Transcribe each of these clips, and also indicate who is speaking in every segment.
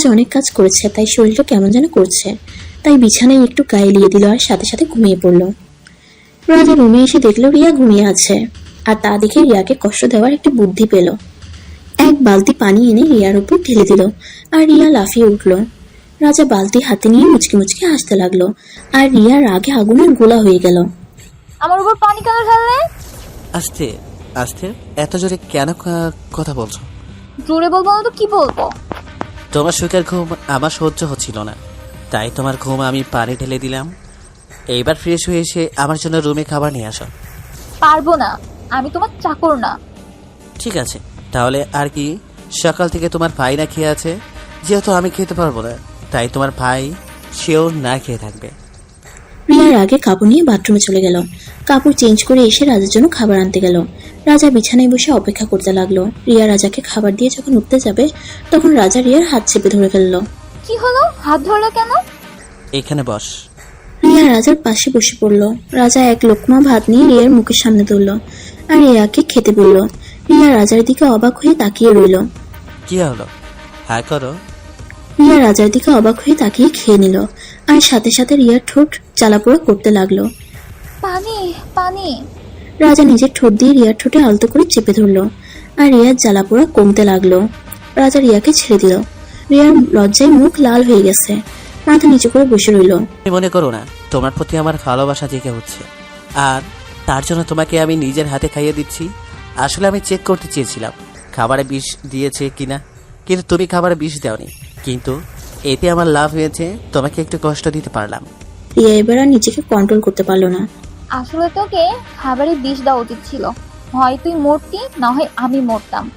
Speaker 1: অনেক কাজ করেছে, তাই শরীরটা কেমন যেন করছে। তাই বিছানায় একটু গায়ে লিয়ে দিল আর সাথে সাথে ঘুমিয়ে পড়ল। রাজা রুমে এসে দেখলো রিয়া ঘুমিয়ে আছে, আর তা দেখে রিয়াকে কষ্ট দেওয়ার একটি বুদ্ধি পেল। এক বালতি পানি এনে রিয়ার উপর ঢেলে দিল, আর রিয়া লাফিয়ে উঠল। রাজা বালতি হাতে নিয়ে মুচকি মুচকি হাসতে লাগলো, আর রিয়া রাগে আগুনের গোলা হয়ে গেল।
Speaker 2: আমার উপর পানি কেন ঢাললে?
Speaker 3: আস্তে আস্তে, এত জোরে কেন কথা বলছো?
Speaker 2: জোরে বলবো না তো কি বলবো?
Speaker 3: তোমার সুখের ঘুম আমার সহ্য হচ্ছিল না, তাই তোমার ঘুম আমি পানি ঢেলে দিলাম। এইবার ফ্রেশ হয়ে এসে আমার জন্য রুমে খাবার নিয়ে আসো।
Speaker 2: পারবো না, আমি তোমার চাকর না।
Speaker 3: ঠিক আছে, তাহলে আর কি? সকাল থেকে তোমার ভাই না খেয়ে আছে, যেহেতু আমি খেতে পারবো না, তাই তোমার ভাই সেও না খেয়ে থাকবে।
Speaker 1: রিয়ার আগে কাপড় নিয়ে বাথরুমে চলে গেল। কাপড় চেঞ্জ করে এসে রাজার জন্য খাবার আনতে গেল। রাজা বিছানায় বসে অপেক্ষা করতে লাগলো। রিয়া রাজাকে খাবার দিয়ে যখন উঠতে যাবে, তখন রাজা রিয়ার হাত চেপে ধরে ফেললো।
Speaker 2: কি হলো? হাত ধরলো কেন?
Speaker 3: এখানে বস।
Speaker 1: রিয়া রাজার পাশে বসে পড়লো। রাজা এক লোকমা ভাত নিয়ে রিয়ার মুখের সামনে তুলল আর রিয়াকে খেতে বলল। রিয়া রাজার দিকে অবাক হয়ে তাকিয়ে রইল।
Speaker 3: কি হলো? হ্যাঁ করো।
Speaker 1: রিয়া রাজার দিকে অবাক হয়ে তাকিয়ে খেয়ে নিল, আর সাথে সাথে রিয়ার ঠোঁট জ্বালাপোড়া করতে লাগলো।
Speaker 2: পানি পানি।
Speaker 1: রাজা নিজের ঠোঁট দিয়ে রিয়ার ঠোঁটে আলতো করে চেপে ধরলো, আর রিয়ার জ্বালাপোড়া কমতে লাগলো। রাজা রিয়াকে ছেড়ে দিল। রিয়ার লজ্জায় মুখ লাল হয়ে গেছে, মাথা নিচু করে বসে রইল।
Speaker 3: মনে করো না, তোমার প্রতি আমার ভালোবাসা জেগে হচ্ছে, আর তার জন্য তোমাকে আমি নিজের হাতে খাইয়ে দিচ্ছি। আসলে আমি চেক করতে চেয়েছিলাম খাবারে বিষ দিয়েছে কিনা, কিন্তু তুমি খাবারে বিষ দাওনি। কিন্তু এতে আমার লাভ হয়েছে, তোমাকে একটু কষ্ট দিতে পারলাম।
Speaker 1: রিয়া এবার আর নিজেকে কন্ট্রোল করতে পারলো না।
Speaker 2: আসলে তোকে খাবারে বিষ দেওয়া উচিত ছিল। হয় তুই মরতি, না হয় আমি মরতাম।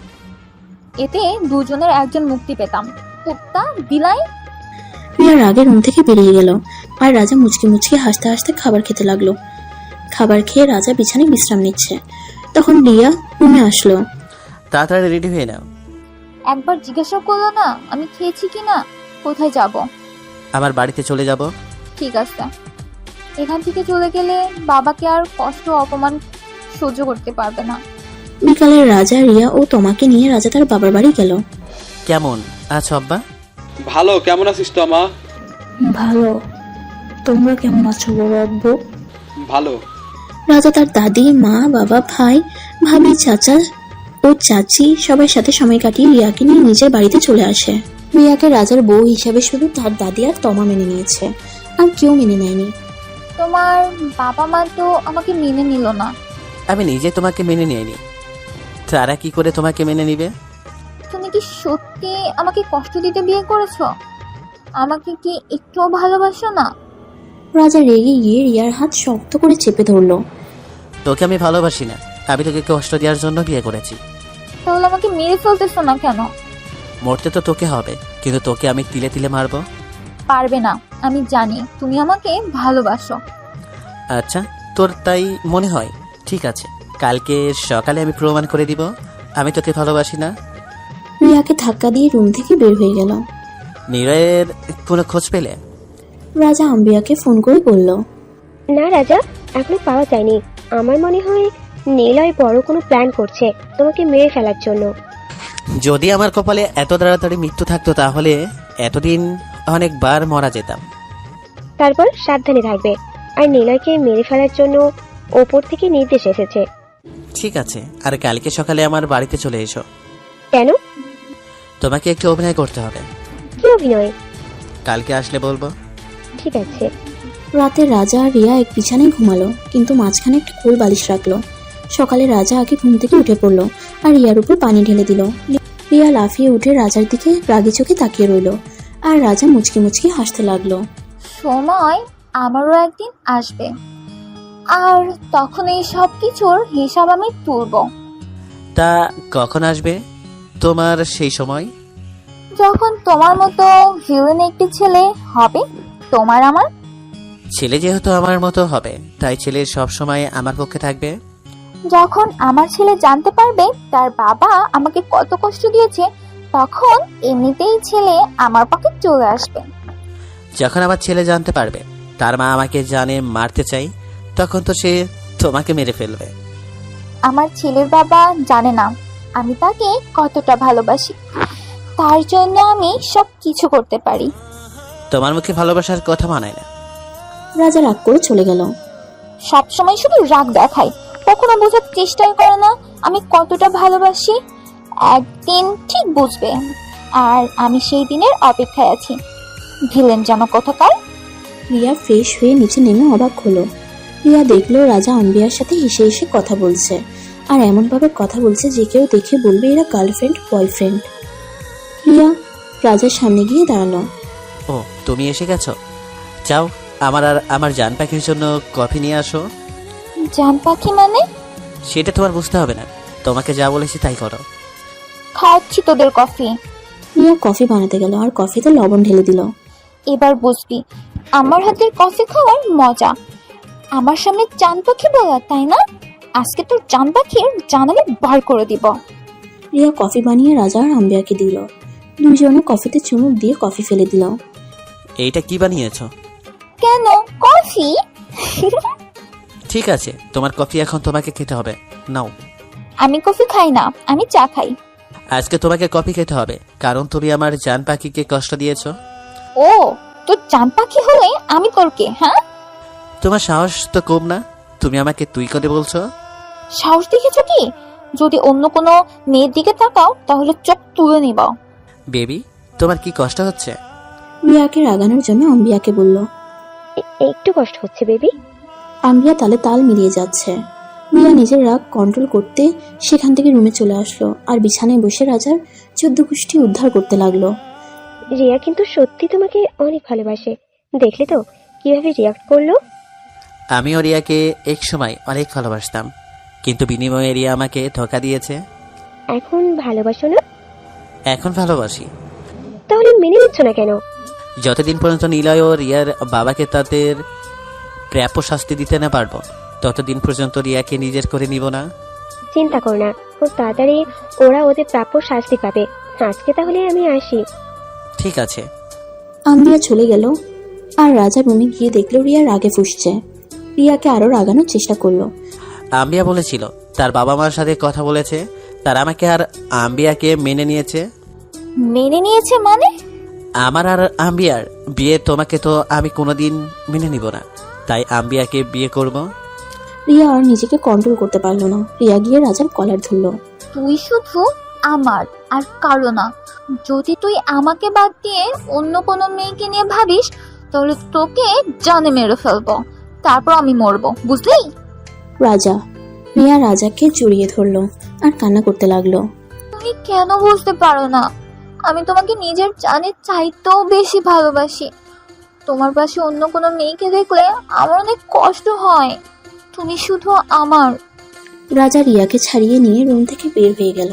Speaker 2: এতে দুজনের একজন মুক্তি পেতাম। কুত্তা বিলাই।
Speaker 1: রিয়া রাগে রুম থেকে বেরিয়ে গেল, আর রাজা মুচকি মুচকি হাসতে হাসতে খাবার খেতে লাগলো। খাবার খেয়ে রাজা বিছানায় বিশ্রাম নিচ্ছে। তখন রিয়া রুমে আসলো।
Speaker 3: তাড়াতাড়ি রেডি হয়ে নাও।
Speaker 2: একবার জিজ্ঞাসা করলো না আমি খেয়েছি কিনা? কোথায় যাব?
Speaker 3: আমার বাড়িতে চলে যাব।
Speaker 2: ঠিক আছে। এখান থেকে চলে গেলে বাবাকে আর কষ্ট অপমান সহ্য করতে পারবে না।
Speaker 1: বিকালে রাজা রিয়া ও তোমাকে নিয়ে রাজা তার বাবার বাড়ি গেল।
Speaker 3: কেমন আছো আব্বা?
Speaker 4: ভালো, কেমন আছিস তো মা?
Speaker 1: ভালো, তোমরা কেমন আছো বড় আব্বু?
Speaker 4: ভালো।
Speaker 1: রাজা তার দাদি, মা, বাবা, ভাই, ভাবি, চাচা ও চাচি সবার সাথে সময় কাটিয়ে রিয়াকে নিয়ে নিজের বাড়িতে চলে আসে। রিয়াকে রাজার বউ হিসাবে শুধু তার দাদি আর তমা মেনে নিয়েছে, আর কেউ মেনে নেয়নি।
Speaker 2: তোমার বাবা মা তো আমাকে মেনে নিল না।
Speaker 3: আমি নিজে তোমাকে মেনে নিইনি, তারা কি করে তোমাকে মেনে নিবে?
Speaker 2: তুমি কি সত্যি আমাকে কষ্ট দিতে বিয়ে করেছো? আমাকে কি একটুও ভালোবাসো না?
Speaker 1: রাজা রেগে গিয়ে রিয়ার হাত শক্ত করে চেপে ধরলো।
Speaker 3: তোকে আমি ভালোবাসি না, আমি তোকে কষ্ট দেওয়ার জন্য বিয়ে করেছি।
Speaker 2: তাহলে আমাকে মেরে ফেলতেছো না কেন?
Speaker 3: মরতে তো তোকে হবে, কিন্তু তোকে আমি তিলে তিলে মারবো।
Speaker 2: পারবে না, আমি জানি তুমি আমাকে ভালোবাসো।
Speaker 3: আচ্ছা, তোর তাই মনে হয়? ঠিক আছে, কালকে সকালে আমি প্রমাণ করে দিব আমি তোকে ভালোবাসি না।
Speaker 1: রিয়াকে ধাক্কা দিয়ে রুম থেকে বের হয়ে গেল।
Speaker 3: নিরয়ের কোনো খোঁজ পেলে?
Speaker 1: রাজা আম্বিয়াকে ফোন করে বলল,
Speaker 5: না রাজা, এখনো পাওয়া যায়নি। আমার মনে হয় নীলয় বড় কোনো প্ল্যান করছে তোমাকে মেরে ফেলার জন্য।
Speaker 3: যদি আমার কপালে এত তাড়াতাড়ি মৃত্যু থাকতো তাহলে এতদিন অনেকবার মারা যেতাম।
Speaker 5: তারপর সাবধানে থাকবে। আর নীলয়কে মেরে ফেলার জন্য ওপর থেকে নির্দেশ এসেছে।
Speaker 3: ঠিক আছে, আর কালকে সকালে আমার বাড়িতে চলে এসো।
Speaker 5: কেন?
Speaker 3: তোমাকে একটু অভিনয় করতে হবে।
Speaker 5: কি অভিনয়?
Speaker 3: কালকে আসলে বলবো।
Speaker 5: ঠিক আছে।
Speaker 1: রাতে রাজা আর রিয়া এক বিছানায় ঘুমালো, কিন্তু মাঝখানে একটা কোল বালিশ রাখলো। সকালে রাজা আগে ঘুম থেকে উঠে পড়লো আর রিয়ার উপর পানি ঢেলে দিল। রিয়া লাফিয়ে উঠে রাজার দিকে রাগি চোখে তাকিয়ে রইল, আর রাজা মুচকি মুচকি হাসতে লাগলো।
Speaker 2: সময় আমারও একদিন আসবে, আর তখন এই সব কিছুর হিসাব আমি তুলব।
Speaker 3: তা কখন আসবে তোমার সেই সময়?
Speaker 2: যখন তোমার মতো ভিলেন একটি ছেলে হবে। তোমার আমার
Speaker 3: ছেলে যেহেতু আমার মতো হবে, তাই ছেলে সব সময় আমার পক্ষে থাকবে।
Speaker 2: যখন আমার ছেলে জানতে পারবে তার বাবা আমাকে কত কষ্ট দিয়েছে, তখন এমনিতেই ছেলে আমার পক্ষে চলে আসবে।
Speaker 3: যখন আমার ছেলে জানতে পারবে তার মা আমাকে জানে মারতে চাই, তখন তো সে তোমাকে মেরে ফেলবে।
Speaker 2: আমার ছেলের বাবা জানে না আমি তাকে কতটা ভালোবাসি, তার জন্য আমি সব কিছু করতে পারি।
Speaker 3: তোমার মুখে ভালোবাসার কথা মানায় না।
Speaker 1: রাজা রাগ করে চলে গেল।
Speaker 2: সবসময় শুধু রাগ দেখায়, কখনো বোঝার চেষ্টাই করে না আমি কতটা ভালোবাসি। একদিন ঠিক বুঝবে, আর আমি সেই দিনের অপেক্ষায় আছি। ভিলেন জামা কোথাকার।
Speaker 1: রিয়া ফ্রেশ হয়ে নিচে নেমে অবাক হলো। রিয়া দেখলো রাজা আম্বিয়ার সাথে হেসে হেসে কথা বলছে, আর এমনভাবে কথা বলছে যে কেউ দেখে বলবে এরা গার্লফ্রেন্ড বয়ফ্রেন্ড। রিয়া রাজার সামনে গিয়ে দাঁড়ালো।
Speaker 3: ও, তুমি এসে গেছো? যাও, আমার আর আমার জান পাখির জন্য কফি নিয়ে আসো।
Speaker 2: জান পাখি মানে?
Speaker 3: সেটা তোমার বুঝতে হবে না, তোমাকে যা বলেছি তাই করো।
Speaker 2: খাওয়াচ্ছি তোদের কফি।
Speaker 1: রিয়া কফি বানাতে গেল আর কফিতে লবণ ঢেলে দিল।
Speaker 2: এবার বুঝবি আমার হাতের কফি খাওয়ার মজা। আমার সামনে চান পাখি বলা, তাই না? আজকে তোর চান পাখির জানালে বার করে দিব।
Speaker 1: রিয়া কফি বানিয়ে রাজা আর আম্বিয়াকে দিল। দুইজনে কফিতে চুমুক দিয়ে কফি ফেলে দিল।
Speaker 3: এইটা কি বানিয়েছো?
Speaker 2: কেন কফি?
Speaker 3: ঠিক আছে, তোমার কফি এখন তোমাকে খেতে হবে, নাও।
Speaker 2: আমি কফি খাই না, আমি চা খাই।
Speaker 3: আজকে তোমাকে কফি খেতে হবে, কারণ তুমি আমার জান পাখিকে কষ্ট দিয়েছো।
Speaker 2: ও, তোর চান পাখি হলে আমি তোর কে? হ্যাঁ,
Speaker 3: তোমার সাহস তো কম না, তুমি আমাকে তুই করে বলছো।
Speaker 2: সাহস দেখেছো কি? যদি অন্য কোনো মেয়ের দিকে তাকাও তাহলে চোখ তুলে নিব।
Speaker 3: বেবি, তোমার কি কষ্ট হচ্ছে?
Speaker 1: রিয়াকে রাগানোর জন্য আম্বিয়াকে বলল।
Speaker 5: একটু কষ্ট হচ্ছে বেবি।
Speaker 1: আম্বিয়া তালে তাল মিলিয়ে যাচ্ছে। রিয়া নিজের রাগ কন্ট্রোল করতে সেখান থেকে রুমে চলে আসলো আর বিছানায় বসে রাজার 14 গোষ্ঠী উদ্ধার করতে লাগলো।
Speaker 5: রিয়া কিন্তু সত্যি তোমাকে অনেক ভালোবাসে। দেখলে তো কিভাবে রিয়াক্ট করলো।
Speaker 3: আমিও রিয়াকে এক সময় অনেক ভালোবাসতাম, কিন্তু বিনিময়ে রিয়া আমাকে ধোঁকা দিয়েছে।
Speaker 5: এখন ভালোবাসো না?
Speaker 3: এখন ভালোবাসি।
Speaker 5: তাহলে মেনে নিচ্ছ না কেন?
Speaker 3: যতদিন পর্যন্ত নিলয় ও রিয়ার বাবাকে তাদের প্রাপ্য শাস্তি দিতে না পারবো, ততদিন পর্যন্ত রিয়াকে নিজের করে নিব না।
Speaker 5: চিন্তা করো না, খুব তাড়াতাড়ি ওরা ওদের প্রাপ্য শাস্তি পাবে। আজকে তাহলে আমি আসি।
Speaker 3: ঠিক আছে।
Speaker 1: আম্বিয়া চলে গেল আর রাজা রুমে গিয়ে দেখলো রিয়া রাগে ফুঁসছে। রিয়াকে আরো রাগানোর চেষ্টা করলো।
Speaker 3: আম্বিয়া বলেছিল তার বাবা মার সাথে কথা বলেছে, তার আমাকে আর আম্বিয়াকে মেনে নিয়েছে।
Speaker 2: মেনে নিয়েছে মানে?
Speaker 3: আমার আর আম্বিয়ার বিয়ে তোমাকে তো আমি কোনোদিন মেনে নিব না, তাই আম্বিয়াকে বিয়ে করব।
Speaker 1: রিয়া আর নিজেকে কন্ট্রোল করতে পারলো না। রিয়া গিয়ে রাজার কলার ধরলো।
Speaker 2: তুই শুধু আমার আর কারো না। যদি তুই আমাকে বাদ দিয়ে অন্য কোনো মেয়েকে নিয়ে ভাবিস তাহলে তোকে জানে মেরে ফেলবো, তারপর আমি মরবো, বুঝলি?
Speaker 1: রাজা। রিয়া রাজাকে জড়িয়ে ধরলো আর কান্না করতে লাগলো।
Speaker 2: তুমি কেন বুঝতে পারো না? আমি তোমাকে নিজের জানের চাইতেও বেশি ভালোবাসি। তোমার পাশে অন্য কোনো মেয়েকে দেখলে আমার অনেক কষ্ট হয়। তুমি শুধু আমার।
Speaker 1: রাজা রিয়াকে ছাড়িয়ে নিয়ে রুম থেকে বের হয়ে গেল।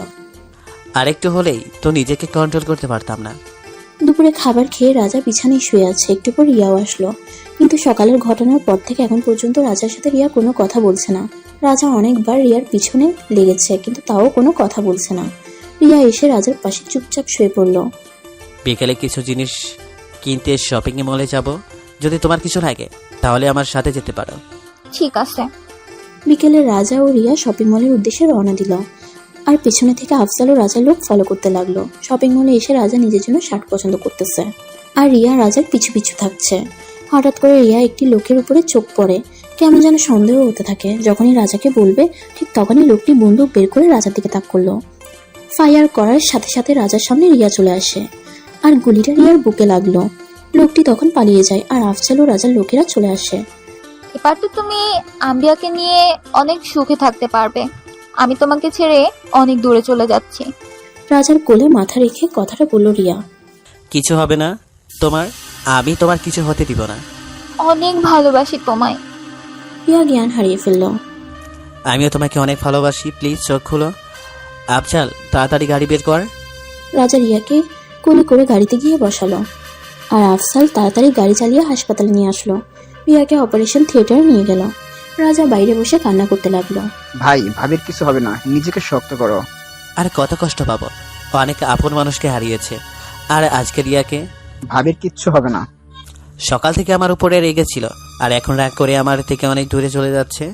Speaker 3: আরেকটু হলেই তো নিজেকে কন্ট্রোল করতে পারতাম না।
Speaker 1: দুপুরে খাবার খেয়ে রাজা বিছানায় শুয়ে আছে। একটু পর রিয়াও আসলো, কিন্তু সকালের ঘটনার পর থেকে এখন পর্যন্ত রাজার সাথে রিয়া কোনো কথা বলছে না। রাজা অনেকবার রিয়ার পিছনে লেগেছে, কিন্তু তাও কোনো কথা বলছে না। রিয়া এসে রাজার পাশে চুপচাপ শুয়ে পড়ল।
Speaker 3: বিকেলে কিছু জিনিস কিনতে শপিং মলে যাব, যদি তোমার কিছু লাগে তাহলে আমার সাথে যেতে পারো।
Speaker 2: ঠিক আছে।
Speaker 1: বিকেলে রাজা ও রিয়া শপিং মলের উদ্দেশ্যে রওনা দিল, আর পেছনে থেকে আফজাল ও রাজার লোক ফলো করতে লাগলো। শপিং মলে এসে রাজা নিজের জন্য শার্ট পছন্দ করতেছে, আর রিয়া রাজার পিছু পিছু থাকছে। হঠাৎ করে রিয়া একটি লোকের উপরে চোখ পড়ে। কেমন যেন সন্দেহ হতে থাকে। যখনই রাজাকে বলবে ঠিক তখনই লোকটি বন্দুক বের করে রাজার দিকে তাক করলো। ফায়ার করার সাথে সাথে রাজার সামনে রিয়া চলে আসে, আর গুলিটা রিয়ার বুকে লাগলো। লোকটি তখন পালিয়ে যায়, আর আফজাল ও রাজার লোকেরা চলে আসে।
Speaker 2: এবার তো তুমি আম্বিয়াকে নিয়ে অনেক সুখে থাকতে পারবে। আমি তোমাকে ছেড়ে অনেক দূরে চলে যাচ্ছি।
Speaker 1: রাজার কোলে মাথা রেখে কথাটা বলল রিয়া।
Speaker 3: কিছু হবে না তোমার, আমি তোমার কিছু হতে দিব না।
Speaker 2: অনেক ভালোবাসি তোমায়।
Speaker 1: রিয়া জ্ঞান হারিয়ে ফেলল।
Speaker 3: আমিও তোমাকে অনেক ভালোবাসি, প্লিজ চোখ খুলো। আফজাল, তাড়াতাড়ি গাড়ি বের কর।
Speaker 1: রাজা রিয়াকে কোলে করে গাড়িতে গিয়ে বসালো, আর আফজাল তাড়াতাড়ি গাড়ি চালিয়ে হাসপাতালে নিয়ে আসলো। রিয়াকে অপারেশন থিয়েটারে নিয়ে গেল। রাজা বাইরে বসে কান্না করতে লাগলো।
Speaker 6: ভাই, ভাবির কিছু হবে না, নিজেকে শক্ত করো।
Speaker 3: আর কত কষ্ট পাবো, অনেক আপন মানুষকে হারিয়েছে। আর আজকে রিয়াকে।
Speaker 6: ভাবির কিচ্ছু হবে না।
Speaker 3: সকাল থেকে আমার উপরে রেগেছিল, আর এখন রাগ করে আমার থেকে অনেক দূরে চলে যাচ্ছে।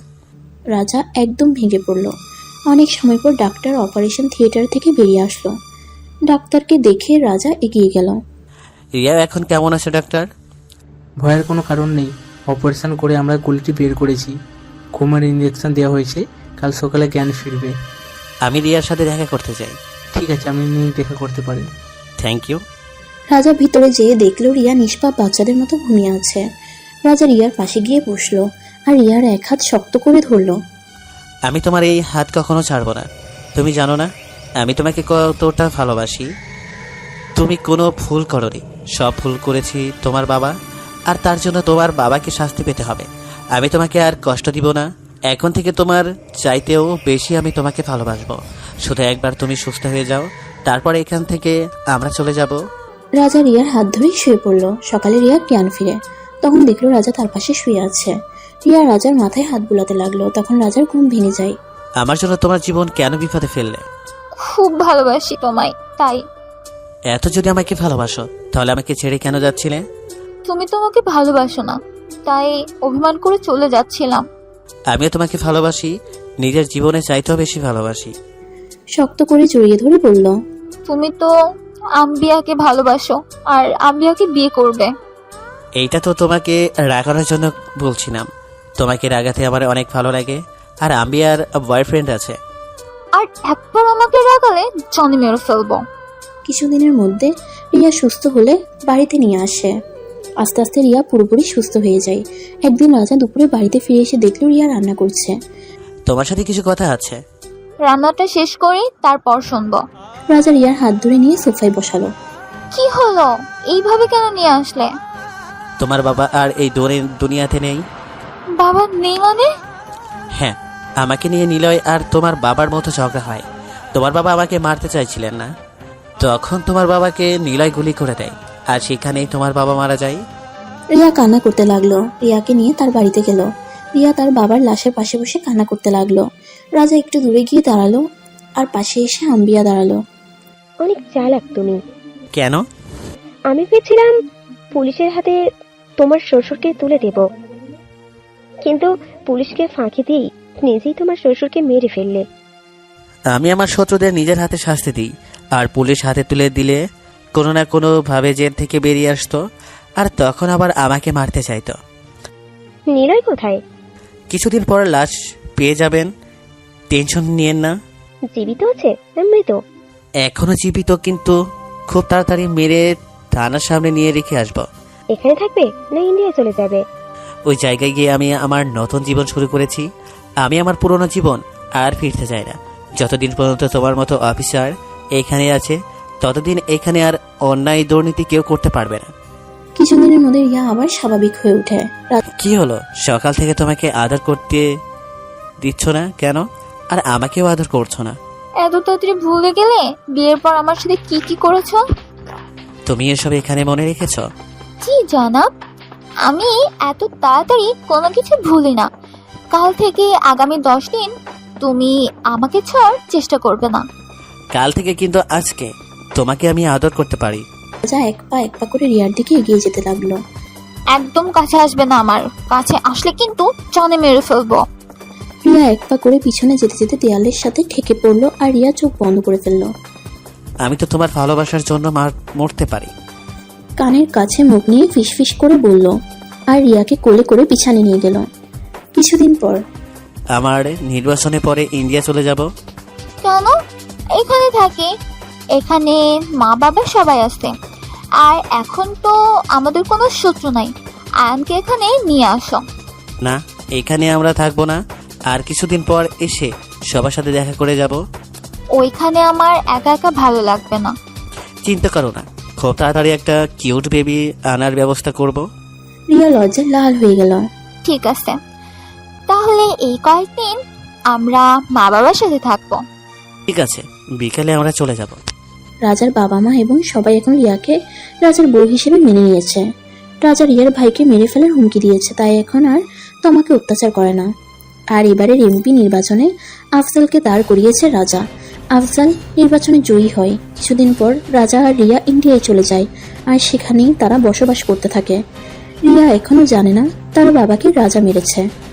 Speaker 1: রাজা একদম ভেঙে পড়ল। অনেক সময় পর ডাক্তার অপারেশন থিয়েটার থেকে বেরিয়ে আসলো। ডাক্তারকে দেখে রাজা এগিয়ে গেল।
Speaker 3: রিয়া এখন কেমন আছে ডাক্তার?
Speaker 7: ভয়ের কোনো কারণ নেই। অপারেশন করে আমরা গুলিটি বের করেছি। ঘুমের ইঞ্জেকশন দেওয়া হয়েছে। কাল সকালে জ্ঞান ফিরবে।
Speaker 3: আমি রিয়ার সাথে দেখা করতে চাই।
Speaker 7: ঠিক আছে, আপনি নিয়ে দেখা করতে পারেন।
Speaker 3: Thank you.
Speaker 1: রাজা ভিতরে যেয়ে দেখলো রিয়া নিষ্পাপ বাচ্চাদের মতো ঘুমিয়ে আছে। রাজা রিয়ার পাশে গিয়ে বসলো আর রিয়ার এক হাত শক্ত করে ধরলো।
Speaker 3: আমি তোমার এই হাত কখনো ছাড়বো না। তুমি জানো না আমি তোমাকে কতটা ভালোবাসি। তুমি কোনো ভুল করোনি, সব ভুল করেছি তোমার বাবা, আর তার জন্য তোমার বাবাকে শাস্তি পেতে হবে। আমি তোমাকে আর কষ্ট দিব না। এখন থেকে তোমার চাইতেও বেশি আমি তোমাকে ভালোবাসবো। শুধু একবার তুমি সুস্থ হয়ে যাও, তারপর এখান থেকে আমরা চলে যাব।
Speaker 1: রাজা রিয়ার হাত ধরেই শুয়ে পড়লো। সকালে রিয়া জ্ঞান ফিরে, তখন দেখলো রাজা তার পাশে শুয়ে আছে। রিয়া রাজার মাথায় হাত বুলাতে লাগলো। তখন রাজার ঘুম ভেঙে যায়।
Speaker 3: আমার জন্য তোমার জীবন কেন বিপদে ফেললে?
Speaker 2: খুব ভালোবাসি তোমায়, তাই।
Speaker 3: এত যদি আমাকে ভালোবাসো তাহলে আমাকে ছেড়ে কেন যাচ্ছিলে?
Speaker 2: তুমি তোমাকে ভালোবাসো না, তাই অভিমান করে চলে যাচ্ছিলাম।
Speaker 3: আমিও তোমাকে ভালোবাসি, নিজের জীবনে চাইতেও বেশি ভালোবাসি।
Speaker 1: শক্ত করে জড়িয়ে ধরে বলল,
Speaker 2: তুমি তো আম্বিয়াকে ভালোবাসো আর আম্বিয়াকে বিয়ে করবে।
Speaker 3: এইটা তো তোমাকে রাগানোর জন্য বলছিলাম। তোমাকে রাগাতে আমার অনেক ভালো লাগে, আর আমি আর বয়ফ্রেন্ড আছে।
Speaker 2: আর একবার আমাকে রাগালে জনি মেরে ফেলবো।
Speaker 1: কিছুদিনের মধ্যে রিয়া সুস্থ হলে বাড়িতে নিয়ে আসে। আস্তে আস্তে রিয়া পুরোপুরি সুস্থ হয়ে যায়। একদিন রাজা দুপুরে বাড়িতে ফিরে এসে দেখলো রিয়া রান্না করছে।
Speaker 3: তোমার সাথে কিছু কথা আছে।
Speaker 2: রান্নাটা শেষ করি, তারপর শুনবো।
Speaker 1: রাজা রিয়ার হাত ধরে নিয়ে সোফায় বসালো।
Speaker 2: কি হলো, এইভাবে কেন নিয়ে আসলে?
Speaker 3: তোমার বাবা আর এই দুনিয়াতে নেই।
Speaker 2: বাবা নেই মানে?
Speaker 3: হ্যাঁ, আমাকে নিয়ে নিলয় আর তোমার বাবার মতো ঝগড়া হয়। তোমার বাবা আমাকে মারতে চাইছিলেন না, তখন তোমার বাবাকে নিলয় গুলি করে দেয়, আর সেখানেই তোমার বাবা মারা যায়।
Speaker 1: রিয়া কান্না করতে লাগলো। রিয়াকে নিয়ে তার বাড়িতে গেল। রিয়া তার বাবার লাশের পাশে বসে কান্না করতে লাগলো। রাজা একটু দূরে গিয়ে দাঁড়ালো আর পাশে এসে আম্বিয়া দাঁড়ালো।
Speaker 5: অনেক চালাক তুমি।
Speaker 3: কেন?
Speaker 5: আমি ভেবেছিলাম পুলিশের হাতে তোমার শ্বশুরকে তুলে দেব, কিন্তু পুলিশকে ফাঁকি দিই নিজেই তোমার শ্বশুরকে মেরে ফেললে।
Speaker 3: আমি আমার শত্রুদের নিজের হাতে শাস্তি দিই, আর পুলিশ হাতে তুলে দিলে কোনো না কোনো ভাবে জেল থেকে বেরিয়ে আসতো, আর তখন আবার আমাকে মারতে চাইতো।
Speaker 5: নিলয় কোথায়?
Speaker 3: কিছুদিন পর লাশ পেয়ে যাবেন, টেনশন নিয়েন না।
Speaker 5: জীবিত আছে না মৃত?
Speaker 3: এখনো জীবিত, কিন্তু খুব তাড়াতাড়ি মেরে থানার সামনে নিয়ে রেখে আসবো।
Speaker 5: এখানে থাকবে না ইন্ডিয়া চলে যাবে?
Speaker 3: ওই জায়গায় গিয়ে আমি আমার নতুন জীবন শুরু করেছি। আমি আমার পুরনো জীবন আর ফিরতে চাই না। যতদিন পর্যন্ত তোমার মতো অফিসার এখানে আছে, ততদিন এখানে আর অন্যায় দুর্নীতি কেউ করতে পারবে না।
Speaker 1: কিছুদিনের মধ্যে রিয়া আবার স্বাভাবিক হয়ে ওঠে।
Speaker 3: কি হলো, সকাল থেকে তোমাকে আদর করতে দিচ্ছ না কেন? আর আমাকেও আদর করছো না।
Speaker 2: এত তাড়াতাড়ি ভুলে গেলে বিয়ের পর আমার সাথে কি কি করেছো?
Speaker 3: তুমি এসব এখানে মনে রেখেছো?
Speaker 2: জি জনাব, আমি এত তাড়াতাড়ি কোনো কিছু ভুলি না। কাল থেকে আগামী 10 দিন তুমি আমাকে ছাড়ার চেষ্টা করবে না।
Speaker 3: কাল থেকে কিন্তু আজকে তোমাকে আমি আদর করতে পারি।
Speaker 1: রাজা এক পা করে রিয়ার দিকে এগিয়ে যেতে লাগলো।
Speaker 2: একদম কাছে আসবে না, আমার কাছে আসলে কিন্তু জনে মেরে ফেলবো।
Speaker 1: রিয়া এক পা করে পিছনে যেতে যেতে দেয়ালের সাথে ঠেকে পড়লো আর রিয়া চোখ বন্ধ করে ফেললো।
Speaker 3: আমি তো তোমার ভালোবাসার জন্য মরতে পারি।
Speaker 1: কানের কাছে মুখ নিয়ে ফিসফিস করে বলল, আর রিয়াকে কোলে করে পিছনে নিয়ে গেল। কিছুদিন পর
Speaker 3: আমার নির্বাচনে পরে ইন্ডিয়া চলে যাব।
Speaker 2: কেন? এখানে থাকি, এখানে মা বাবা সবাই আছে, আর এখন তো আমাদের কোনো শত্রু নাই। আয়ানকে এখানে নিয়ে আসো।
Speaker 3: না, এখানে আমরা থাকবো না, আর কিছুদিন পর এসে সবার সাথে দেখা করে যাব।
Speaker 2: ওইখানে আমার একা একা ভালো লাগবে না।
Speaker 3: চিন্তা করো না, খুব তাড়াতাড়ি একটা কিউট বেবি আনার ব্যবস্থা করব।
Speaker 1: রিয়া লজ্জায় লাল হয়ে গেল।
Speaker 2: ঠিক আছে, তাহলে এই কয়েকদিন আমরা মা বাবার সাথে থাকবো।
Speaker 3: ঠিক আছে, বিকালে আমরা চলে যাব।
Speaker 1: রাজার বাবা মা এবং সবাই এখন রিয়াকে রাজার বউ হিসেবে মেনে নিয়েছে। রাজা রিয়ার ভাইকে মেরে ফেলার হুমকি দিয়েছে, তাই এখন আর তোমাকে অত্যাচার করে না। আর এবারের এমপি নির্বাচনে আফজালকে দাঁড় করিয়েছে রাজা। আফজাল নির্বাচনে জয়ী হয়। কিছুদিন পর রাজা আর রিয়া ইন্ডিয়ায় চলে যায়, আর সেখানেই তারা বসবাস করতে থাকে। রিয়া এখনো জানে না তার বাবাকে রাজা মেরেছে।